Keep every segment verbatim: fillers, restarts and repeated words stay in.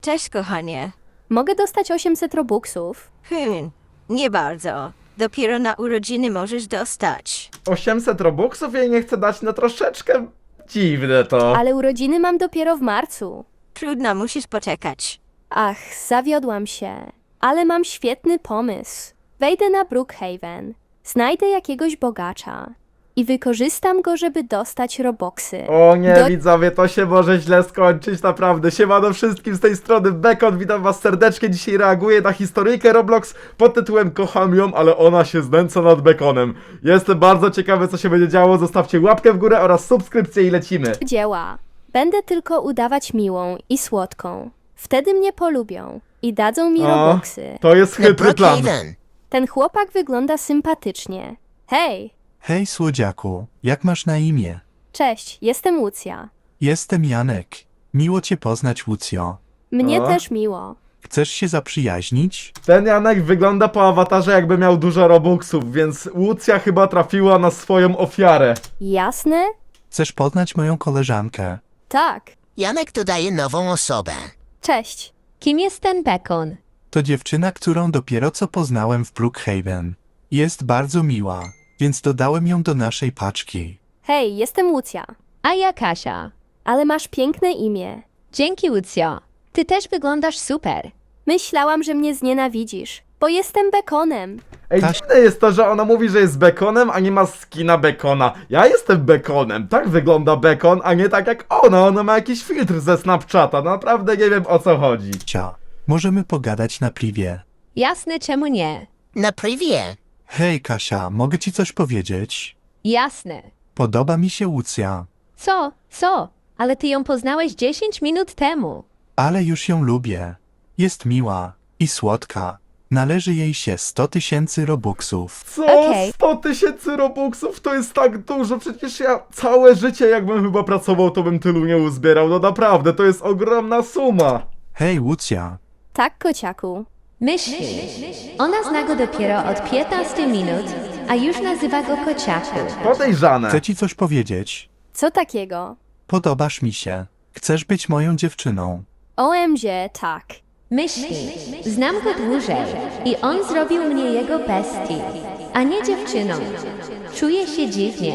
Cześć, kochanie. Mogę dostać osiemset robuxów. Hmm, nie bardzo. Dopiero na urodziny możesz dostać. osiemset robuxów jej nie chcę dać, no troszeczkę dziwne to. Ale urodziny mam dopiero w marcu. Trudno, musisz poczekać. Ach, zawiodłam się. Ale mam świetny pomysł. Wejdę na Brookhaven, znajdę jakiegoś bogacza i wykorzystam go, żeby dostać robuxy. O nie, Do- widzowie, to się może źle skończyć, naprawdę. Siemano wszystkim z tej strony, Bekon, witam was serdecznie. Dzisiaj reaguję na historyjkę Roblox pod tytułem Kocham ją, ale ona się znęca nad Bekonem. Jestem bardzo ciekawy, co się będzie działo. Zostawcie łapkę w górę oraz subskrypcję i lecimy. Dzieła. Będę tylko udawać miłą i słodką. Wtedy mnie polubią i dadzą mi O, robuxy. to jest Na chytry plan. Brookhaven. Ten chłopak wygląda sympatycznie. Hej, Hej słodziaku, jak masz na imię? cześć, jestem Łucja. Jestem Janek. Miło cię poznać, Łucjo. Mnie O. też miło. Chcesz się zaprzyjaźnić? Ten Janek wygląda po awatarze, jakby miał dużo robuxów, więc Łucja chyba trafiła na swoją ofiarę. Jasne? Chcesz poznać moją koleżankę? Tak. Janek dodaje nową osobę. Cześć. Kim jest ten Bekon? To dziewczyna, którą dopiero co poznałem w Brookhaven. Jest bardzo miła, więc dodałem ją do naszej paczki. Hej, jestem Łucja. A ja Kasia. Ale masz piękne imię. Dzięki, Lucio. Ty też wyglądasz super. Myślałam, że mnie znienawidzisz, bo jestem Bekonem. Ej, Kaś- dziwne jest to, że ona mówi, że jest Bekonem, a nie ma skina Bekona. Ja jestem Bekonem, tak wygląda Bekon, a nie tak jak ona. Ona ma jakiś filtr ze Snapchata, naprawdę nie wiem, o co chodzi. Cia, możemy pogadać na privie. Jasne, czemu nie? Na privie. Hej Kasia, mogę ci coś powiedzieć? Jasne. Podoba mi się Łucja, Co? Co? Ale ty ją poznałeś dziesięć minut temu. ale już ją lubię. Jest miła i słodka. Należy jej się sto tysięcy robuxów. Co? Okej. sto tysięcy robuxów to jest tak dużo, przecież ja całe życie jakbym chyba pracował, to bym tylu nie uzbierał. No naprawdę, to jest ogromna suma. Hej Łucja, Tak, kociaku. Myśli. Ona zna go dopiero od piętnastu minut, a już nazywa go kociaku. Podejrzane. chcę ci coś powiedzieć. Co takiego? Podobasz mi się. Chcesz być moją dziewczyną. O M G, tak. Myśli. Znam go dłużej i on zrobił mnie jego bestii, a nie dziewczyną. Czuję się dziwnie.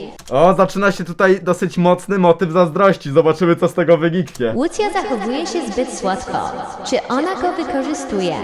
O, zaczyna się tutaj dosyć mocny motyw zazdrości. Zobaczymy, co z tego wyniknie. Łucja zachowuje się zbyt słodko. Czy ona go wykorzystuje?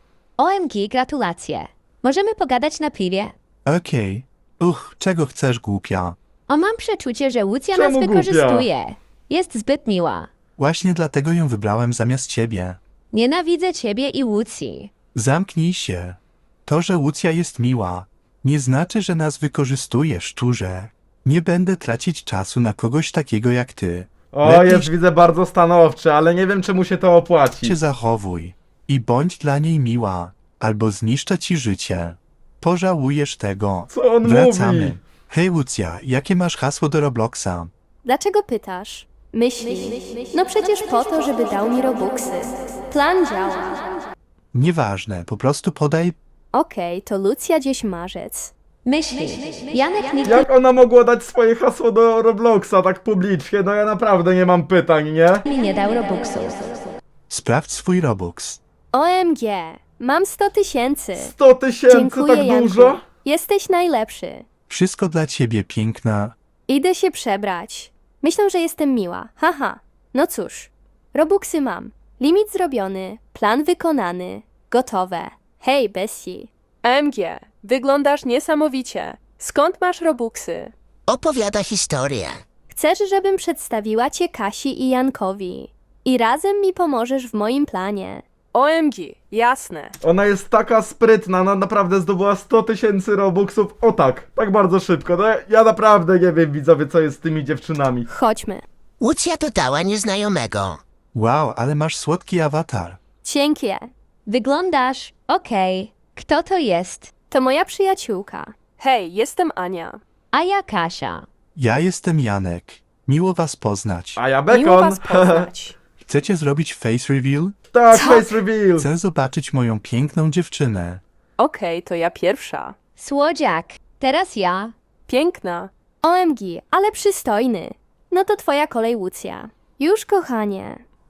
O M G, gratulacje. Możemy pogadać na piwie? Okej. Uch, czego chcesz, głupia? O, mam przeczucie, że Łucja Czemu nas głupia? wykorzystuje. Jest zbyt miła. Właśnie dlatego ją wybrałem zamiast ciebie. Nienawidzę ciebie i Łucji. Zamknij się. To, że Łucja jest miła, nie znaczy, że nas wykorzystuje, szczurze. Nie będę tracić czasu na kogoś takiego jak ty. O, Lepiej jest, widzę, bardzo stanowczy, ale nie wiem, czy mu się to opłaci. się zachowuj i bądź dla niej miła, albo zniszczę ci życie. Pożałujesz tego. Co on Wracamy. mówi? Hej Łucja, jakie masz hasło do Robloxa? Dlaczego pytasz? Myśli. No przecież po to, żeby dał mi robuxy. Plan działa. Nieważne, po prostu podaj. Okej, to Lucja gdzieś marzec. Myśli. Janek nigdy Jak ona mogła dać swoje hasło do Robloxa tak publicznie? No ja naprawdę nie mam pytań, nie? mi nie dał robuxów. Sprawdź swój Robux. O M G, mam sto tysięcy. sto tysięcy, Dziękuję, tak Janku. dużo? Jesteś najlepszy. Wszystko dla ciebie, piękna. Idę się przebrać. Myślą, że jestem miła. Haha. No cóż. Robuxy mam. Limit zrobiony. Plan wykonany. Gotowe. Hej, Bessie. M G, wyglądasz niesamowicie. Skąd masz robuxy? Opowiada historię. Chcesz, żebym przedstawiła cię Kasi i Jankowi. I razem mi pomożesz w moim planie. O M G, jasne. Ona jest taka sprytna, ona naprawdę zdobyła sto tysięcy robuxów. O tak, tak bardzo szybko. No ja, ja naprawdę nie wiem, widzowie, co jest z tymi dziewczynami. Chodźmy. Łucja dodała nieznajomego. Wow, ale masz słodki awatar. Dzięki. Wyglądasz okej. Kto to jest? To moja przyjaciółka. Hej, jestem Ania. A ja Kasia. Ja jestem Janek. Miło was poznać. A ja Miło Bekon. was poznać. Chcecie zrobić face reveal? Tak, face reveal. Chcę zobaczyć moją piękną dziewczynę. Okej, to ja pierwsza. Słodziak. Teraz ja. Piękna. O M G, ale przystojny. No to twoja kolej, Łucja. Już, kochanie.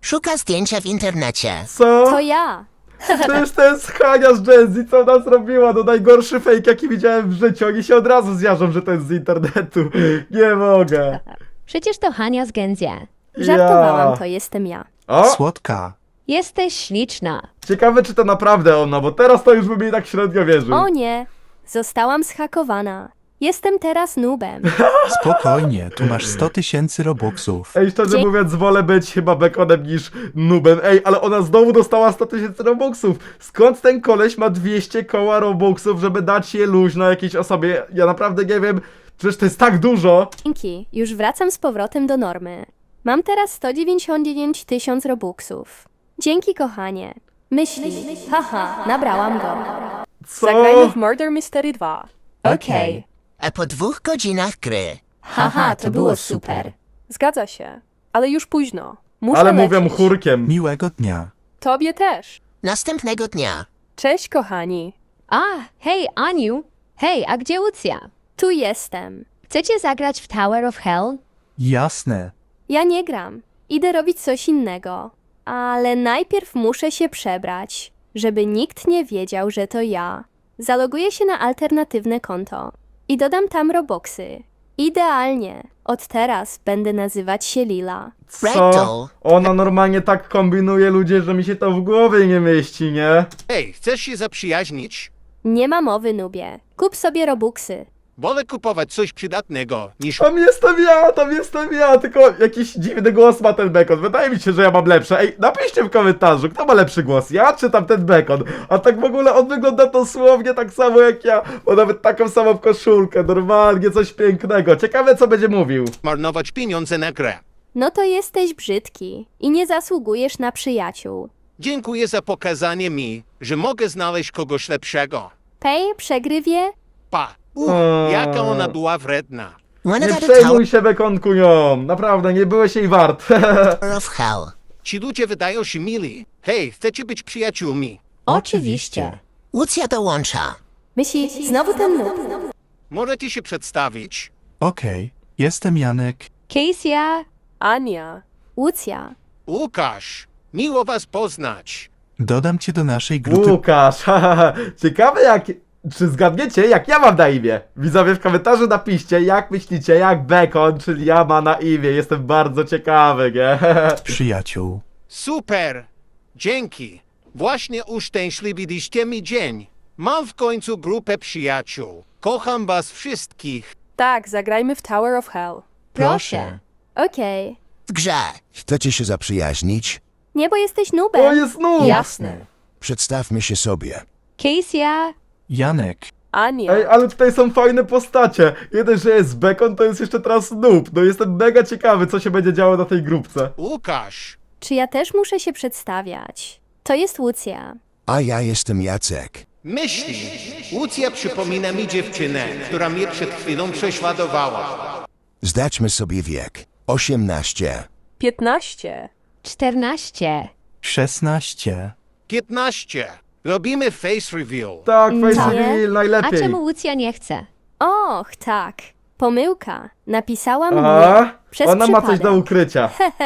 Szuka zdjęcia w internecie. Co? To ja. Przecież to jest Hania z Gen Z, co ona zrobiła? No najgorszy fake, jaki widziałem w życiu. Oni się od razu zjarzą, że to jest z internetu. Nie mogę. Przecież to Hania z Genzie. Żartowałam, Ja. to jestem ja. O, Słodka. Jesteś śliczna. ciekawe czy to naprawdę ona, bo teraz to już bym jej tak średnio wierzył. O nie, zostałam zhakowana. Jestem teraz noobem. Spokojnie, tu masz sto tysięcy robuxów. Ej, szczerze Dzie- mówiąc, wolę być chyba bekonem niż nubem. Ej, ale ona znowu dostała sto tysięcy robuxów. Skąd ten koleś ma dwieście koła robuxów, żeby dać je luźno jakiejś osobie? Ja naprawdę nie wiem, przecież to jest tak dużo. Dzięki, już wracam z powrotem do normy. Mam teraz sto dziewięćdziesiąt dziewięć tysięcy robuxów. Dzięki, kochanie. Myśli, haha, nabrałam go. Co? Zagrajmy w Murder Mystery dwa. Okej. A po dwóch godzinach gry. Haha, to było super. Zgadza się, ale już późno. Muszę Ale lecieć. mówią chórkiem. Miłego dnia. Tobie też. Następnego dnia. Cześć, kochani. A, hej, Aniu. Hej, a gdzie Lucja? Tu jestem. Chcecie zagrać w Tower of Hell? Jasne. Ja nie gram. Idę robić coś innego. Ale najpierw muszę się przebrać, żeby nikt nie wiedział, że to ja. Zaloguję się na alternatywne konto i dodam tam robuxy. Idealnie. Od teraz będę nazywać się Lila. Co? Ragdoll. Ona normalnie tak kombinuje ludzie, że mi się to w głowie nie mieści, nie? Hej, chcesz się zaprzyjaźnić? Nie ma mowy, nubie. Kup sobie robuxy. Wolę kupować coś przydatnego niż... Tam jestem ja, tam jestem ja, tylko jakiś dziwny głos ma ten bekon. Wydaje mi się, że ja mam lepsze. Ej, napiszcie w komentarzu, kto ma lepszy głos, ja czy tam ten bekon? A tak w ogóle on wygląda dosłownie tak samo jak ja, bo nawet taką samą koszulkę, normalnie coś pięknego. Ciekawe co będzie mówił. marnować pieniądze na grę. No to jesteś brzydki i nie zasługujesz na przyjaciół. Dziękuję za pokazanie mi, że mogę znaleźć kogoś lepszego. Pej, przegrywie? Pa! Uch, Eee. jaka ona była wredna. Wanna Nie go to przejmuj się bekonku nią, naprawdę, nie byłeś jej wart. Tower of Hell. Ci ludzie wydają się mili. Hej, chcecie być przyjaciółmi? Oczywiście. Lucja dołącza. Myśli, znowu ten noob. Możecie się przedstawić. Okej. Jestem Janek. Kesia, Ania. Łucja. Łukasz, miło was poznać. Dodam cię do naszej grupy. Łukasz, haha, ciekawe jak... Czy zgadniecie, jak ja mam na imię? Widzowie, w komentarzu napiszcie, jak myślicie, jak Bekon, czyli ja ma na imię. Jestem bardzo ciekawy, nie? Przyjaciół. Super! Dzięki. Właśnie uszczęśliwiliście mi dzień. Mam w końcu grupę przyjaciół. Kocham was wszystkich. Tak, zagrajmy w Tower of Hell. proszę. Okej. W grze. Chcecie się zaprzyjaźnić? Nie, bo jesteś O, noobem. jest nóż! Jasne. Przedstawmy się sobie. Kesia, Janek. Ania. Ej, ale tutaj są fajne postacie. Jeden, że jest Bekon, to jest jeszcze teraz noob. No jestem mega ciekawy, co się będzie działo na tej grupce. Łukasz, Czy ja też muszę się przedstawiać? To jest Łucja. A ja jestem Jacek. myśli. Łucja przypomina mi dziewczynę, która mnie przed chwilą prześladowała. Zdaćmy sobie wiek. osiemnaście. piętnaście. czternaście. szesnaście. piętnaście. Robimy face reveal. Tak, face Tak. reveal, A najlepiej. czemu Lucja nie chce? Och, tak. Pomyłka. Napisałam mnie. A? Przez Ona ma coś przypadek. do ukrycia.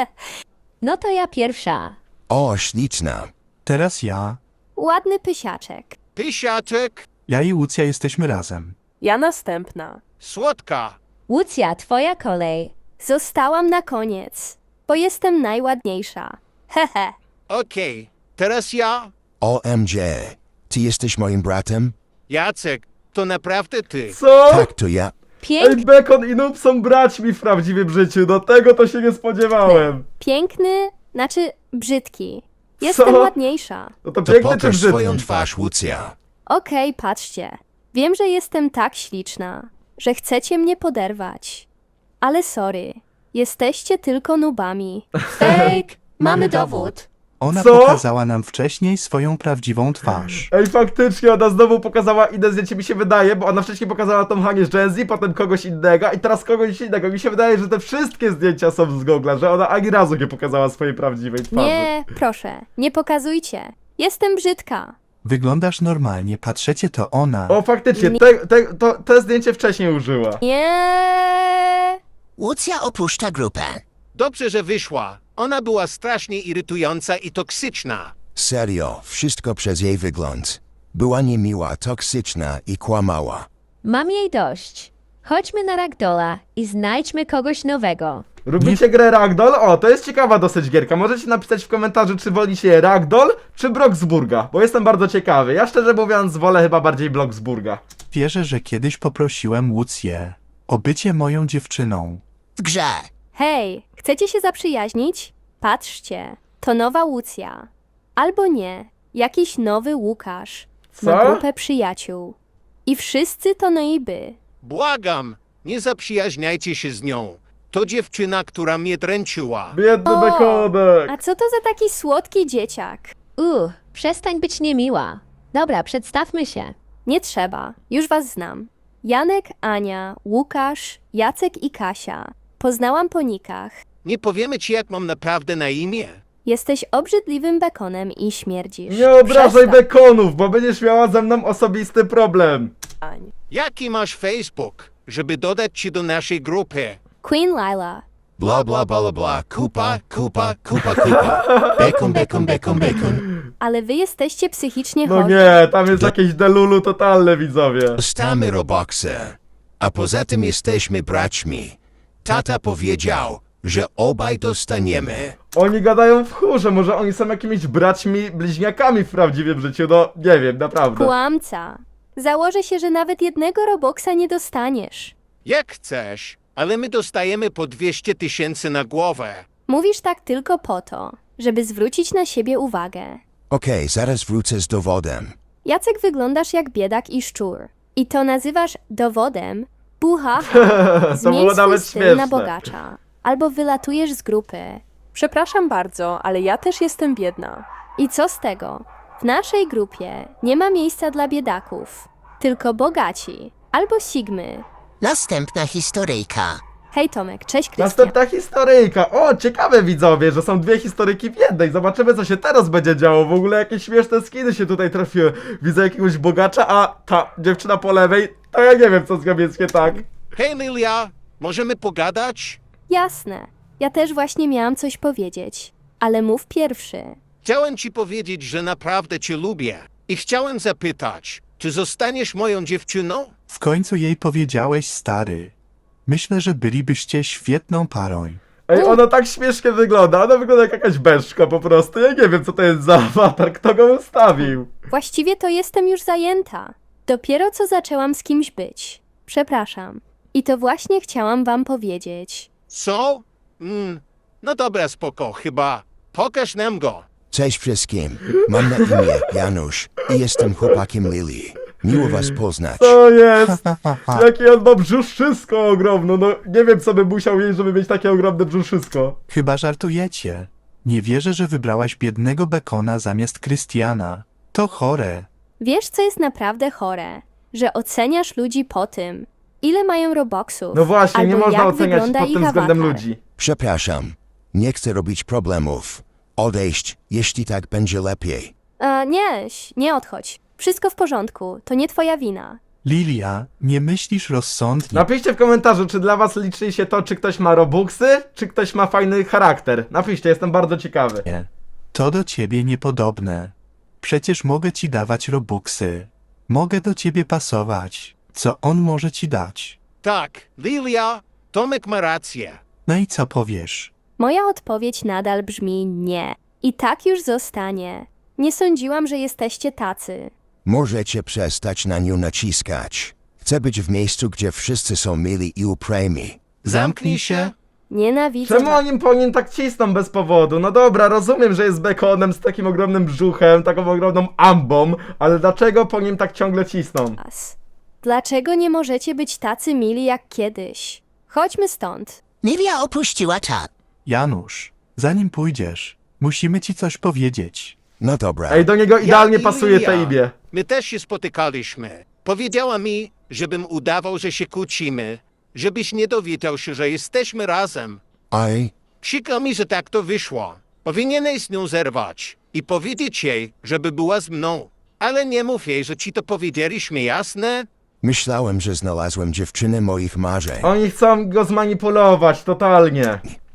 No to ja pierwsza. O, śliczna. Teraz ja. Ładny pysiaczek. Pysiaczek, Ja i Łucja jesteśmy razem. Ja następna. słodka. Lucja, twoja kolej. Zostałam na koniec, bo jestem najładniejsza. Hehe. Okej, teraz ja. O M G. Ty jesteś moim bratem? Jacek, to naprawdę ty. Co? Tak, to ja. Pięknie. Ej, Bekon i noob są braćmi w prawdziwym życiu. Do tego to się nie spodziewałem. Piękny, znaczy brzydki. Jestem Co? ładniejsza. No to To piękny czy pokaż swoją brzydki? twarz, Lucja. Okej, patrzcie. Wiem, że jestem tak śliczna, że chcecie mnie poderwać. Ale sorry, jesteście tylko nubami. Fake. Mamy dowód. Ona Co? pokazała nam wcześniej swoją prawdziwą twarz. Ej, faktycznie, ona znowu pokazała inne zdjęcie, mi się wydaje, bo ona wcześniej pokazała tą Hanię z Gen Z, potem kogoś innego i teraz kogoś innego. Mi się wydaje, że te wszystkie zdjęcia są z Google'a, że ona ani razu nie pokazała swojej prawdziwej twarzy. Nie, proszę, nie pokazujcie. Jestem brzydka. Wyglądasz normalnie, patrzecie to ona. O, faktycznie, te, te, to, te zdjęcie wcześniej użyła. Nie. Lucja opuszcza grupę. Dobrze, że wyszła. Ona była strasznie irytująca i toksyczna. Serio, wszystko przez jej wygląd. Była niemiła, toksyczna i kłamała. Mam jej dość. Chodźmy na Ragdolla i znajdźmy kogoś nowego. Lubicie grę Ragdoll? O, to jest ciekawa dosyć gierka. Możecie napisać w komentarzu, czy wolicie Ragdoll, czy Bloxburga, bo jestem bardzo ciekawy. Ja szczerze mówiąc wolę chyba bardziej Bloxburga. Wierzę, że kiedyś poprosiłem Łucję o bycie moją dziewczyną. W grze. Hej, chcecie się zaprzyjaźnić? Patrzcie, to nowa Łucja. Albo nie, jakiś nowy Łukasz. Ma Co? grupę przyjaciół. I wszyscy to noiby. Błagam, nie zaprzyjaźniajcie się z nią. To dziewczyna, która mnie dręczyła. Biedny O, bekonek. A co to za taki słodki dzieciak? Uh, przestań być niemiła. Dobra, przedstawmy się. Nie trzeba, już was znam. Janek, Ania, Łukasz, Jacek i Kasia. Poznałam po nikach. Nie powiemy ci, jak mam naprawdę na imię. Jesteś obrzydliwym bekonem i śmierdzisz. Nie obrażaj Przestań. bekonów, bo będziesz miała ze mną osobisty problem. Jaki masz Facebook, żeby dodać ci do naszej grupy? Queen Lila. Bla bla bla bla, kupa, kupa, kupa, kupa. Bekon, bekon, bekon, bekon. Ale wy jesteście psychicznie No chorzy. nie, tam jest jakieś delulu totalne, widzowie. Dostamy Robuxy. A poza tym jesteśmy braćmi. Tata powiedział, że obaj dostaniemy. Oni gadają w chórze, może oni są jakimiś braćmi, bliźniakami w prawdziwym życiu, no nie wiem, naprawdę. Kłamca. Założę się, że nawet jednego Robuxa nie dostaniesz. Jak chcesz, ale my dostajemy po dwieście tysięcy na głowę. Mówisz tak tylko po to, żeby zwrócić na siebie uwagę. Okej, zaraz wrócę z dowodem. Jacek, wyglądasz jak biedak i szczur. I to nazywasz dowodem? Buha. To Zmień było swój nawet styl śmieszne. na bogacza. Albo wylatujesz z grupy. Przepraszam bardzo, ale ja też jestem biedna. I co z tego? W naszej grupie nie ma miejsca dla biedaków. Tylko bogaci. Albo sigmy. Następna historyjka. Hej Tomek, cześć Krystian. Następna historyjka. O, ciekawe widzowie, że są dwie historyki w jednej. Zobaczymy, co się teraz będzie działo. W ogóle jakieś śmieszne skiny się tutaj trafiły. Widzę jakiegoś bogacza, a ta dziewczyna po lewej, to ja nie wiem, co z nią jest nie tak. Hej Lilia, możemy pogadać? Jasne. Ja też właśnie miałam coś powiedzieć. Ale mów pierwszy. Chciałem ci powiedzieć, że naprawdę cię lubię. I chciałem zapytać, czy zostaniesz moją dziewczyną? W końcu jej powiedziałeś, stary. Myślę, że bylibyście świetną parą. Ej, ona tak śmiesznie wygląda. Ona wygląda jak jakaś beszka po prostu. Ja nie wiem, co to jest za awatar, kto go ustawił. Właściwie to jestem już zajęta. Dopiero co zaczęłam z kimś być. Przepraszam. I to właśnie chciałam wam powiedzieć. Co? Mm, no dobra, spoko, chyba. Pokaż nam go. Cześć wszystkim. Mam na imię Janusz i jestem chłopakiem Lili. Miło was poznać. To jest. Jakie on ma brzuszysko ogromne. No nie wiem, co by musiał jeść, żeby mieć takie ogromne brzuszysko. Chyba żartujecie. Nie wierzę, że wybrałaś biednego bekona zamiast Krystiana. To chore. Wiesz, co jest naprawdę chore? Że oceniasz ludzi po tym, ile mają robuxów. No właśnie, albo nie można jak oceniać wygląda pod ich tym względem awatar. ludzi. Przepraszam. Nie chcę robić problemów. Odejść, jeśli tak będzie lepiej. E, nie, nie odchodź. Wszystko w porządku, to nie twoja wina. Lilia, nie myślisz rozsądnie. Napiszcie w komentarzu, czy dla was liczy się to, czy ktoś ma robuxy, czy ktoś ma fajny charakter. Napiszcie, jestem bardzo ciekawy. To do ciebie niepodobne. Przecież mogę ci dawać robuxy. Mogę do ciebie pasować. Co on może ci dać? Tak, Lilia, Tomek ma rację. No i co powiesz? Moja odpowiedź nadal brzmi nie. I tak już zostanie. Nie sądziłam, że jesteście tacy. Możecie przestać na nią naciskać. Chcę być w miejscu, gdzie wszyscy są mili i uprzejmi. Zamknij się. Nienawidzę Czemu was. oni po nim tak cisną bez powodu? No dobra, rozumiem, że jest bekonem z takim ogromnym brzuchem, taką ogromną ambą, ale dlaczego po nim tak ciągle cisną? Dlaczego nie możecie być tacy mili jak kiedyś? Chodźmy stąd. Lilia opuściła czat. Janusz, zanim pójdziesz, musimy ci coś powiedzieć. No dobra. Ej, do niego idealnie Ja i pasuje Lilia. to imię. My też się spotykaliśmy. Powiedziała mi, żebym udawał, że się kłócimy, żebyś nie dowiedział się, że jesteśmy razem. Aj, Przykro mi, że tak to wyszło. Powinieneś z nią zerwać i powiedzieć jej, żeby była z mną. Ale nie mów jej, że ci to powiedzieliśmy, jasne? myślałem, że znalazłem dziewczynę moich marzeń. Oni chcą go zmanipulować, totalnie.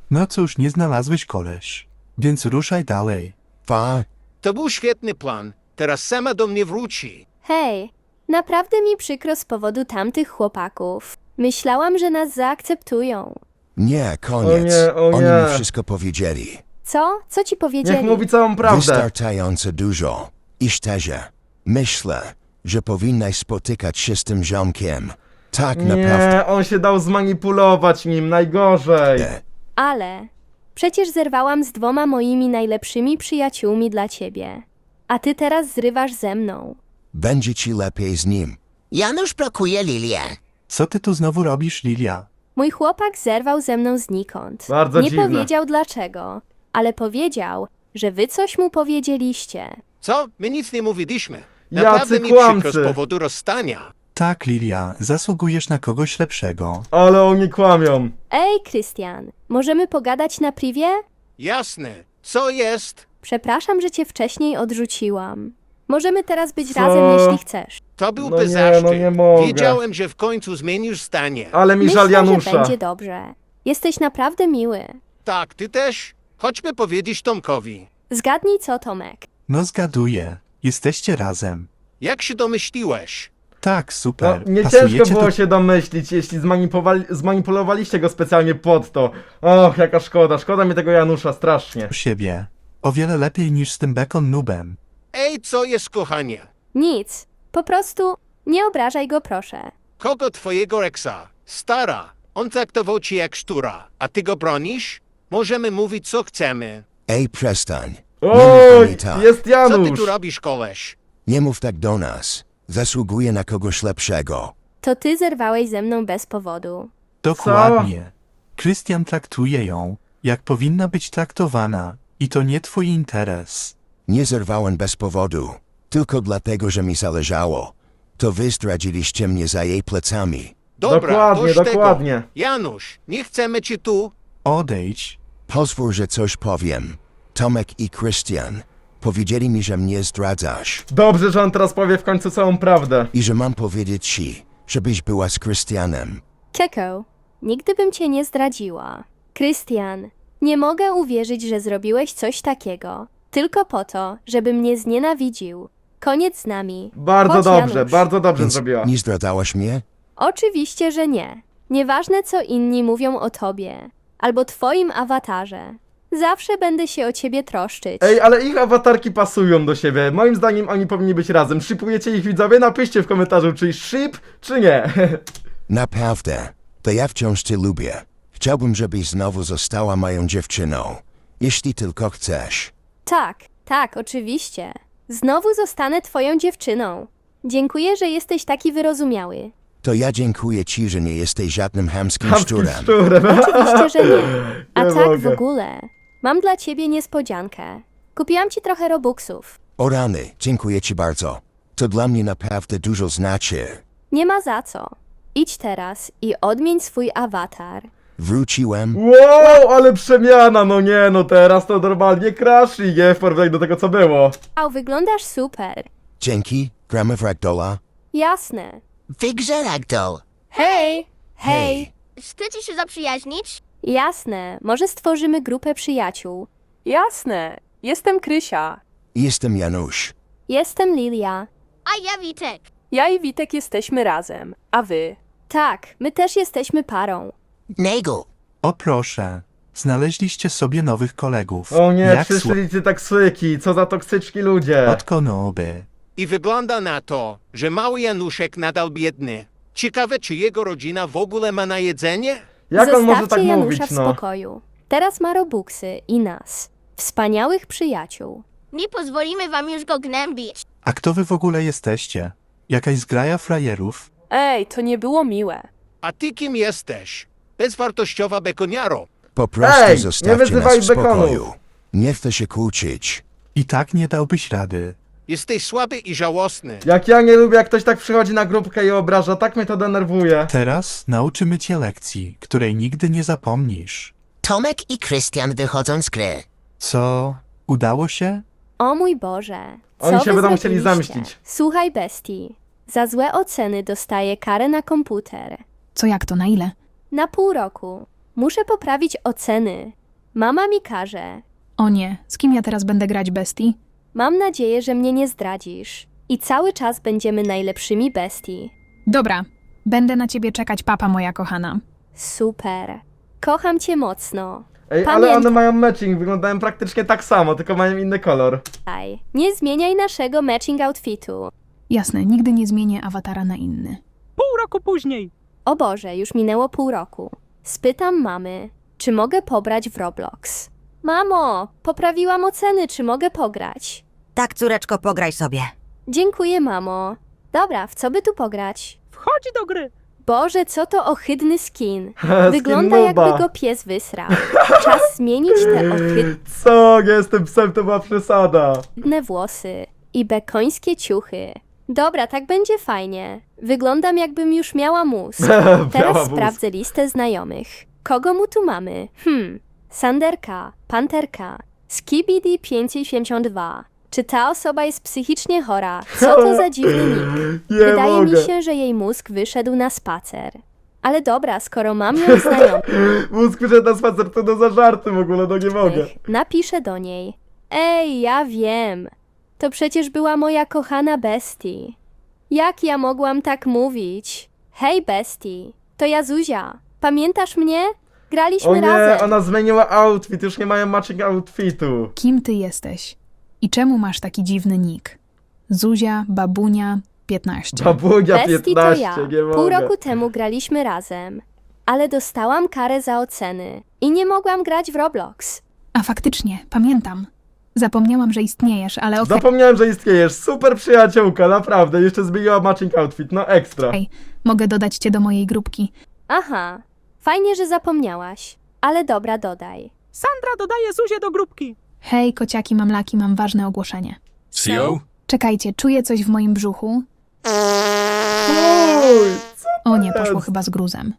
No cóż, nie znalazłeś koleś. Więc ruszaj dalej. Fa, To był świetny plan. Teraz sama do mnie wróci. Hej, naprawdę mi przykro z powodu tamtych chłopaków. Myślałam, że nas zaakceptują. nie, koniec. nie, o Oni nie. mi wszystko powiedzieli. Co? Co ci powiedzieli? Niech mówi całą prawdę. Wystarczająco dużo. I szczerze, myślę, że powinnaś spotykać się z tym ziomkiem. Tak naprawdę. Nie, on się dał zmanipulować nim, najgorzej. Ale przecież zerwałam z dwoma moimi najlepszymi przyjaciółmi dla ciebie. A ty teraz zrywasz ze mną. Będzie ci lepiej z nim. Janusz blokuje Lilię. Co ty tu znowu robisz, Lilia? Mój chłopak zerwał ze mną znikąd. Bardzo Nie dziwne. powiedział dlaczego, ale powiedział, że wy coś mu powiedzieliście. Co? My nic nie mówiliśmy. Jacy Naprawdę mi kłamcy. przykro z powodu rozstania. Tak, Lilia, zasługujesz na kogoś lepszego. Ale oni kłamią. Ej, Krystian, możemy pogadać na privie? Jasne. Co jest? Przepraszam, że cię wcześniej odrzuciłam. Możemy teraz być Co? razem, jeśli chcesz. To był No nie, bezaszczyt. no nie mogę. Wiedziałem, że w końcu zmienisz zdanie. Ale mi Myślę, żal że Janusza. będzie dobrze. Jesteś naprawdę miły. Tak, ty też? Chodźmy powiedzieć Tomkowi. Zgadnij co, Tomek. No zgaduję. Jesteście razem. Jak się domyśliłeś? Tak, No, super. nie Pasujecie ciężko było do... się domyślić, jeśli zmanipulowali, zmanipulowaliście go specjalnie pod to. Och, jaka szkoda, szkoda mi tego Janusza, strasznie. siebie. O wiele lepiej niż z tym Bacon Noobem. Ej, co jest, kochanie? Nic. Po prostu nie obrażaj go, proszę. Kogo twojego Rexa? Stara. On traktował cię jak szczura. A ty go bronisz? Możemy mówić, co chcemy. Ej, przestań. Nie mów do Oj, mnie tak. jest Co ty Janusz. tu robisz, koleś? Nie mów tak do nas. Zasługuję na kogoś lepszego. To ty zerwałeś ze mną bez powodu. Dokładnie. Krystian traktuje ją, jak powinna być traktowana. I to nie twój interes. Nie zerwałem bez powodu. Tylko dlatego, że mi zależało. To wy zdradziliście mnie za jej plecami. Dobra, Dokładnie, dość dokładnie. Tego. Janusz, nie chcemy cię tu. Odejdź. Pozwól, że coś powiem. Tomek i Krystian powiedzieli mi, że mnie zdradzasz. Dobrze, że on teraz powie w końcu całą prawdę. I że mam powiedzieć ci, żebyś była z Krystianem. Keko, nigdy bym cię nie zdradziła. Krystian, nie mogę uwierzyć, że zrobiłeś coś takiego. Tylko po to, żeby mnie znienawidził. Koniec z nami. Bardzo Chodź, dobrze, Janusz. bardzo dobrze Więc zrobiła. nie zdradzałaś mnie? Oczywiście, że nie. Nieważne, co inni mówią o tobie. Albo twoim awatarze. Zawsze będę się o ciebie troszczyć. Ej, ale ich awatarki pasują do siebie. Moim zdaniem oni powinni być razem. Shipujecie ich, widzowie? Napiszcie w komentarzu, czy ship, czy nie. Naprawdę. To ja wciąż cię lubię. Chciałbym, żebyś znowu została moją dziewczyną. Jeśli tylko chcesz. Tak, tak, oczywiście. Znowu zostanę twoją dziewczyną. Dziękuję, że jesteś taki wyrozumiały. To ja dziękuję ci, że nie jesteś żadnym chamskim Chamskim szczurem. szczurem. Oczywiście, że nie. A Nie tak w mogę. ogóle. Mam dla ciebie niespodziankę. Kupiłam ci trochę robuxów. O rany, dziękuję ci bardzo. To dla mnie naprawdę dużo znaczy. Nie ma za co. Idź teraz i odmień swój awatar. Wróciłem. Wow, ale przemiana, no nie, no teraz to normalnie crashing, nie? W porównaniu do tego, co było. Au, wyglądasz super. Dzięki, gramy w Ragdolla. Jasne. W grze Ragdoll. Hej! Hej. Chcecie się zaprzyjaźnić? Jasne. Może stworzymy grupę przyjaciół. Jasne. Jestem Krysia. Jestem Janusz. Jestem Lilia. A ja Witek. Ja i Witek jesteśmy razem. A wy? Tak, my też jesteśmy parą. Nego. O proszę. Znaleźliście sobie nowych kolegów. O nie, Jak przyszli ci taksyki, co za toksyczki ludzie. słodko nooby. I wygląda na to, że mały Januszek nadal biedny. Ciekawe, czy jego rodzina w ogóle ma na jedzenie? Jak on może Zostawcie tak Janusza mówić, w no? spokoju. Teraz ma robuxy i nas. Wspaniałych przyjaciół. Nie pozwolimy wam już go gnębić. A kto wy w ogóle jesteście? Jakaś zgraja frajerów? Ej, to nie było miłe. A ty kim jesteś? Bezwartościowa bekoniaro. Po prostu Ej, nie zostawcie wyzywaj nas w spokoju. bekonów. Nie chcę się kłócić. I tak nie dałbyś rady. Jesteś słaby i żałosny. Jak ja nie lubię, jak ktoś tak przychodzi na grupkę i obraża, tak mnie to denerwuje. Teraz nauczymy cię lekcji, której nigdy nie zapomnisz. Tomek i Krystian wychodzą z gry. Co? Udało się? O mój Boże. Co Oni się wy będą chcieli zrobiliście? zamścić. Słuchaj, bestii. Za złe oceny dostaję karę na komputer. Co jak to, na ile? Na pół roku. Muszę poprawić oceny. Mama mi każe. O nie, z kim ja teraz będę grać bestii? Mam nadzieję, że mnie nie zdradzisz. I cały czas będziemy najlepszymi bestii. Dobra, będę na ciebie czekać, papa moja kochana. Super. Kocham cię mocno. Ej, ale one mają matching, wyglądają praktycznie tak samo, tylko mają inny kolor. Pamiętaj, nie zmieniaj naszego matching outfitu. Jasne, nigdy nie zmienię awatara na inny. Pół roku później. O Boże, już minęło pół roku. Spytam mamy, czy mogę pobrać w Roblox. Mamo, poprawiłam oceny, czy mogę pograć? Tak, córeczko, pograj sobie. Dziękuję, mamo. Dobra, w co by tu pograć? Wchodź do gry. Boże, co to ohydny skin. Skin Wygląda nuba. jakby go pies wysrał. Czas zmienić te Co? Nie jestem psem, to była przesada. ohydne włosy i bekońskie ciuchy. Dobra, tak będzie fajnie. Wyglądam jakbym już miała mózg. Miała Teraz mózg. sprawdzę listę znajomych. Kogo mu tu mamy? Hmm. Sanderka, Panterka, Skibidi pięćset siedemdziesiąt dwa. Czy ta osoba jest psychicznie chora? Co to za dziwny nick? Nie Wydaje mogę. mi się, że jej mózg wyszedł na spacer. Ale dobra, skoro mam ją znajomych, Mózg wyszedł na spacer, to no za żarty w ogóle, no nie mogę. napiszę do niej. Ej, ja wiem. To przecież była moja kochana bestii. Jak ja mogłam tak mówić? Hej, bestii, to ja Zuzia. Pamiętasz mnie? Graliśmy O nie, razem. ona zmieniła outfit, już nie mają matching outfitu. Kim ty jesteś? I czemu masz taki dziwny nick? Zuzia, babunia, piętnaście. Babunia Bestii to piętnaście, ja. nie mogę. Pół roku temu graliśmy razem. Ale dostałam karę za oceny. I nie mogłam grać w Roblox. A faktycznie, pamiętam. Zapomniałam, że istniejesz, ale okej. Zapomniałem, że istniejesz, super przyjaciółka, naprawdę, jeszcze zmieniła matching outfit, no ekstra. Mogę dodać cię do mojej grupki. Aha, fajnie, że zapomniałaś. Ale dobra, dodaj. Sandra dodaje Zuzię do grupki. Hej, kociaki, mamlaki, mam ważne ogłoszenie. Sio? Czekajcie, czuję coś w moim brzuchu. O nie, poszło chyba z gruzem.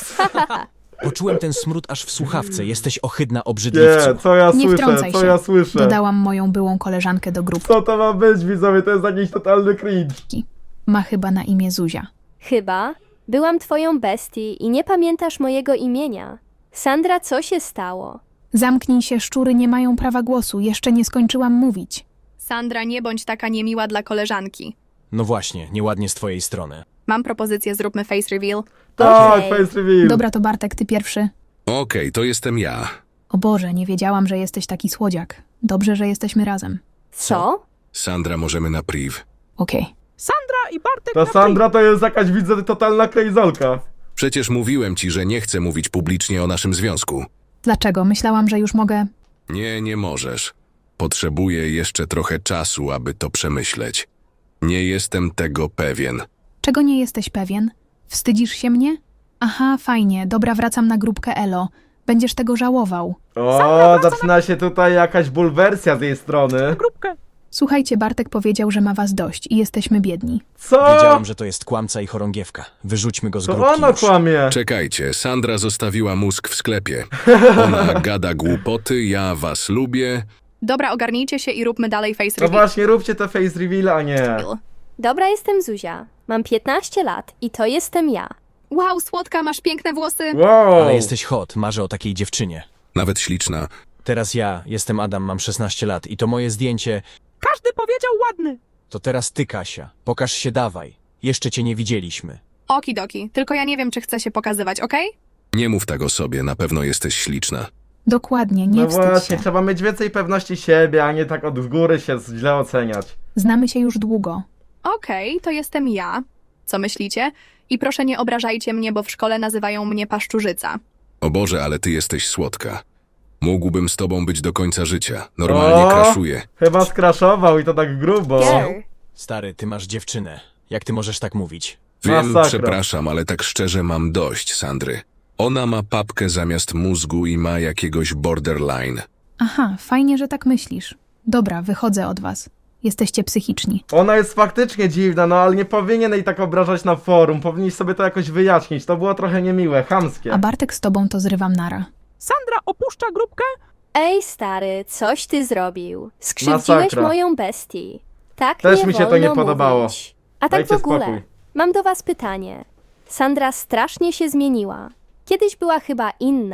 Poczułem ten smród aż w słuchawce. Jesteś ohydna, obrzydliwcu. Nie, co ja Nie słyszę, wtrącaj co się. ja słyszę. Dodałam moją byłą koleżankę do grupki. Co to ma być, widzowie, to jest jakiś totalny cringe. Ma chyba na imię Zuzia. Chyba. Byłam twoją bestii i nie pamiętasz mojego imienia. Sandra, co się stało? Zamknij się, szczury nie mają prawa głosu. Jeszcze nie skończyłam mówić. Sandra, nie bądź taka niemiła dla koleżanki. No właśnie, nieładnie z twojej strony. Mam propozycję, zróbmy face reveal. Tak, Okej. face reveal. Dobra, to Bartek, ty pierwszy. Okej, to jestem ja. O Boże, nie wiedziałam, że jesteś taki słodziak. Dobrze, że jesteśmy razem. Co? Sandra, możemy na priv. Okej. Sandra i Bartek Ta na Sandra to jest jakaś, widzę, totalna krejzolka. Przecież mówiłem ci, że nie chcę mówić publicznie o naszym związku. Dlaczego? Myślałam, że już mogę... Nie, nie możesz. Potrzebuję jeszcze trochę czasu, aby to przemyśleć. Nie jestem tego pewien. Czego nie jesteś pewien? Wstydzisz się mnie? Aha, fajnie. Dobra, wracam na grupkę Elo. Będziesz tego żałował. O, zaczyna się tutaj jakaś bulwersja z jej strony. grupkę. Słuchajcie, Bartek powiedział, że ma was dość i jesteśmy biedni. Co? Wiedziałam, że to jest kłamca i chorągiewka. Wyrzućmy go z To grupki ona już. kłamie. Czekajcie, Sandra zostawiła mózg w sklepie. Ona gada głupoty, ja was lubię. Dobra, ogarnijcie się i róbmy dalej face No reveal. właśnie, róbcie te face reveal, a nie. Dobra, jestem Zuzia. Mam piętnaście lat i to jestem ja. Wow, słodka, masz piękne włosy. Wow. Ale jesteś hot, marzę o takiej dziewczynie. Nawet śliczna. Teraz ja, jestem Adam, mam szesnaście lat i to moje zdjęcie... Każdy powiedział ładny. To teraz ty, Kasia. Pokaż się, dawaj. Jeszcze cię nie widzieliśmy. Okidoki, tylko ja nie wiem, czy chcę się pokazywać, okej? Nie mów tak o sobie, na pewno jesteś śliczna. Dokładnie, nie No wstydź właśnie, się. trzeba mieć więcej pewności siebie, a nie tak od góry się źle oceniać. Znamy się już długo. Okej, to jestem ja. Co myślicie? I proszę nie obrażajcie mnie, bo w szkole nazywają mnie paszczurzyca. O Boże, ale ty jesteś słodka. Mógłbym z tobą być do końca życia. Normalnie O! kraszuję. Chyba skraszował i to tak grubo. Girl. Stary, ty masz dziewczynę. Jak ty możesz tak mówić? Wiem, Masakra. przepraszam, ale tak szczerze mam dość, Sandry. Ona ma papkę zamiast mózgu i ma jakiegoś borderline. Aha, fajnie, że tak myślisz. Dobra, wychodzę od was. Jesteście psychiczni. Ona jest faktycznie dziwna, no ale nie powinien jej tak obrażać na forum. Powinniś sobie to jakoś wyjaśnić. To było trochę niemiłe, chamskie. A Bartek z tobą to zrywam nara. Sandra opuszcza grupkę. Ej, stary, coś ty zrobił. Skrzywdziłeś Masakra. moją bestię. Tak Też nie mi się to wolno nie podobało. mówić. A tak Dajcie w ogóle, spokój. mam do was pytanie. Sandra strasznie się zmieniła. Kiedyś była chyba inna.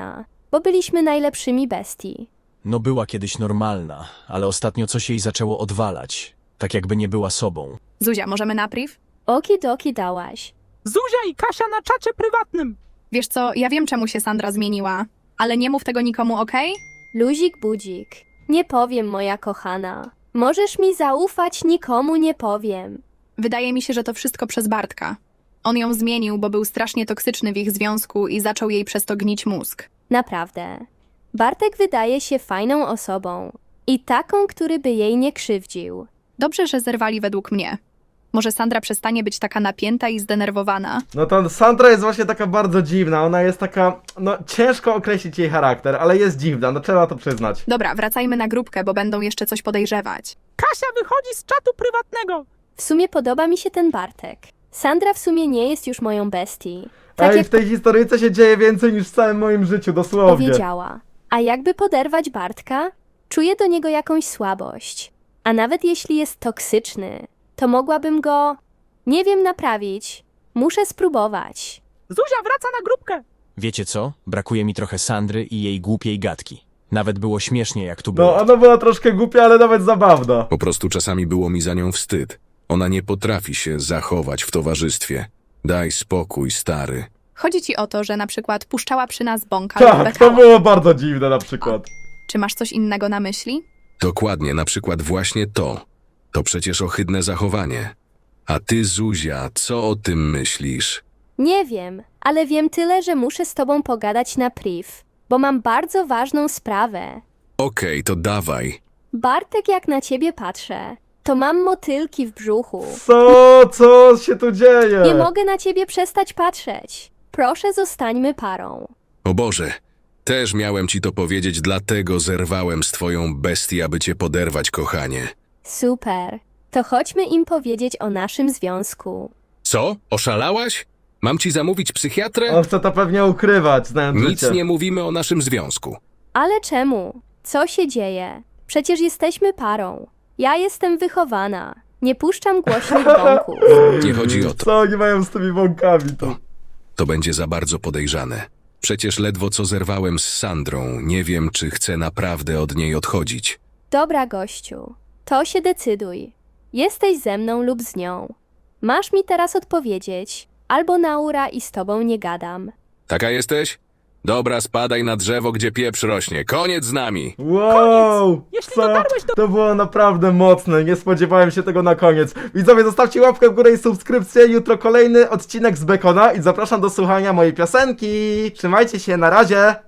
bo byliśmy najlepszymi bestii. No była kiedyś normalna, ale ostatnio coś jej zaczęło odwalać. Tak jakby nie była sobą. Zuzia, możemy na priv? Okidoki dałaś. Zuzia i Kasia na czacie prywatnym. Wiesz co, ja wiem czemu się Sandra zmieniła, ale nie mów tego nikomu, okej? Luzik budzik. Nie powiem, moja kochana. Możesz mi zaufać, nikomu nie powiem. Wydaje mi się, że to wszystko przez Bartka. On ją zmienił, bo był strasznie toksyczny w ich związku i zaczął jej przez to gnić mózg. Naprawdę. Bartek wydaje się fajną osobą. I taką, który by jej nie krzywdził. Dobrze, że zerwali według mnie. Może Sandra przestanie być taka napięta i zdenerwowana. No to Sandra jest właśnie taka bardzo dziwna, ona jest taka, no ciężko określić jej charakter, ale jest dziwna, no trzeba to przyznać. Dobra, wracajmy na grupkę, bo będą jeszcze coś podejrzewać. Kasia wychodzi z czatu prywatnego. W sumie podoba mi się ten Bartek. Sandra w sumie nie jest już moją bestii. Tak Ej, jak w tej historyjce się dzieje więcej niż w całym moim życiu, dosłownie. powiedziała. A jakby poderwać Bartka? Czuję do niego jakąś słabość. A nawet jeśli jest toksyczny, to mogłabym go, nie wiem, naprawić. Muszę spróbować. Zuzia wraca na grupkę. Wiecie co? Brakuje mi trochę Sandry i jej głupiej gadki. Nawet było śmiesznie, jak tu było. No, ona była troszkę głupia, ale nawet zabawna. Po prostu czasami było mi za nią wstyd. Ona nie potrafi się zachować w towarzystwie. Daj spokój, stary. Chodzi ci o to, że na przykład puszczała przy nas bąka lub Tak, to bekała. było bardzo dziwne na przykład. Czy masz coś innego na myśli? Dokładnie, na przykład właśnie to. To przecież ohydne zachowanie. A ty, Zuzia, co o tym myślisz? Nie wiem, ale wiem tyle, że muszę z tobą pogadać na priv, bo mam bardzo ważną sprawę. Okej, to dawaj. Bartek, jak na ciebie patrzę, to mam motylki w brzuchu. Co? Co się tu dzieje? Nie mogę na ciebie przestać patrzeć. Proszę, zostańmy parą. O Boże, też miałem ci to powiedzieć, dlatego zerwałem z twoją bestią, aby cię poderwać, kochanie. Super. To chodźmy im powiedzieć o naszym związku. Co? Oszalałaś? Mam ci zamówić psychiatrę? On chce to pewnie ukrywać, znając Nic życie. nie mówimy o naszym związku. Ale czemu? Co się dzieje? Przecież jesteśmy parą. Ja jestem wychowana. Nie puszczam głośnych bąków. Nie chodzi o to. Co oni mają z tymi bąkami to? To będzie za bardzo podejrzane. Przecież ledwo co zerwałem z Sandrą. Nie wiem, czy chcę naprawdę od niej odchodzić. Dobra, gościu. To się decyduj. Jesteś ze mną lub z nią. Masz mi teraz odpowiedzieć, albo naura i z tobą nie gadam. Taka jesteś? Dobra, spadaj na drzewo, gdzie pieprz rośnie. Koniec z nami! Wow! Jeśli Co? dotarłeś do... To było naprawdę mocne, nie spodziewałem się tego na koniec. Widzowie, zostawcie łapkę w górę i subskrypcję. Jutro kolejny odcinek z Bekona i zapraszam do słuchania mojej piosenki. Trzymajcie się, na razie!